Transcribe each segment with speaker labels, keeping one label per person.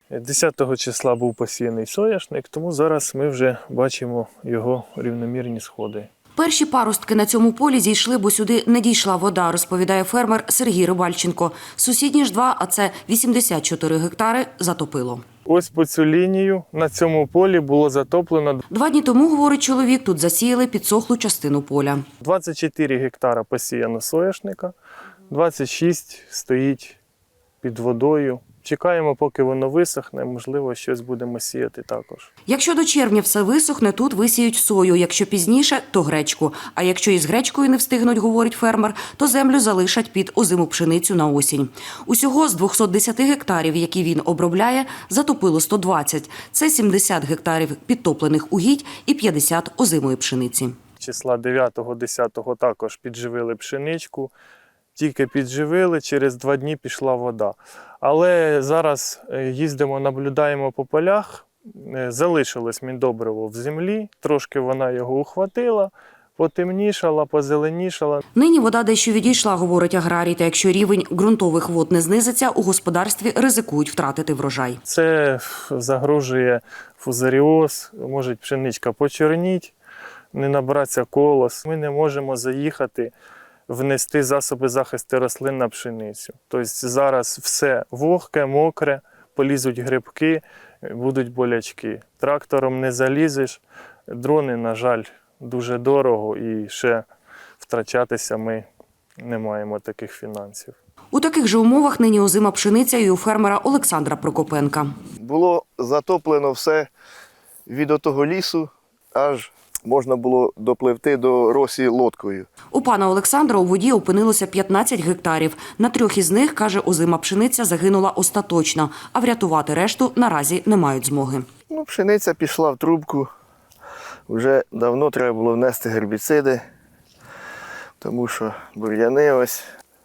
Speaker 1: 10 числа був посіяний соняшник, тому зараз ми вже бачимо його рівномірні сходи.
Speaker 2: Перші паростки на цьому полі зійшли, бо сюди не дійшла вода, розповідає фермер Сергій Рибальченко. Сусідні ж два, а це 84 гектари, затопило.
Speaker 1: Ось по цю лінію на цьому полі було затоплено.
Speaker 2: 2 дні тому, говорить чоловік, тут засіяли підсохлу частину поля.
Speaker 1: 24 гектара посіяно соняшника, 26 стоїть під водою. Чекаємо, поки воно висохне, можливо, щось будемо сіяти також.
Speaker 2: Якщо до червня все висохне, тут висіють сою, якщо пізніше – то гречку. А якщо із гречкою не встигнуть, говорить фермер, то землю залишать під озиму пшеницю на осінь. Усього з 210 гектарів, які він обробляє, затопило 120. Це 70 гектарів підтоплених угідь і 50 озимої пшениці.
Speaker 1: Числа 9-10 також підживили пшеничку. Тільки підживили, через 2 дні пішла вода. Але зараз їздимо, наблюдаємо по полях, залишилось міндобриво в землі, трошки вона його ухватила, потемнішала, позеленішала.
Speaker 2: Нині вода дещо відійшла, говорить аграрій, та якщо рівень ґрунтових вод не знизиться, у господарстві ризикують втратити врожай.
Speaker 1: Це загрожує фузаріоз, може пшеничка почорніть, не набратися колос. Ми не можемо заїхати, внести засоби захисту рослин на пшеницю. Тобто зараз все вогке, мокре, полізуть грибки, будуть болячки. Трактором не залізеш, дрони, на жаль, дуже дорого і ще втрачатися ми не маємо таких фінансів.
Speaker 2: У таких же умовах нині озима пшениця і у фермера Олександра Прокопенка.
Speaker 3: Було затоплено все від отого лісу, аж можна було допливти до Росії лодкою.
Speaker 2: У пана Олександра у воді опинилося 15 гектарів. На 3 із них, каже, озима пшениця загинула остаточно, а врятувати решту наразі не мають змоги.
Speaker 3: Пшениця пішла в трубку. Вже давно треба було внести гербіциди, тому що бур'яни ось.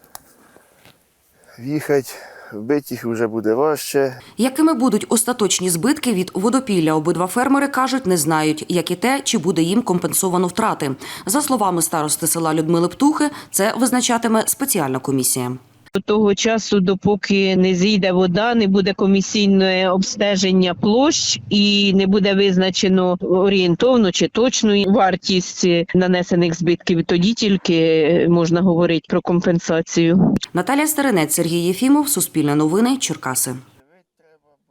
Speaker 3: В'їхати, вбити їх вже буде важче.
Speaker 2: Якими будуть остаточні збитки від водопілля, обидва фермери кажуть, не знають, як і те, чи буде їм компенсовано втрати. За словами старости села Людмили Птухи, це визначатиме спеціальна комісія.
Speaker 4: До того часу, допоки не зійде вода, не буде комісійне обстеження площ і не буде визначено орієнтовно чи точну вартість нанесених збитків, тоді тільки можна говорити про компенсацію.
Speaker 2: Наталія Старинець, Сергій Єфімов, Суспільне новини, Черкаси.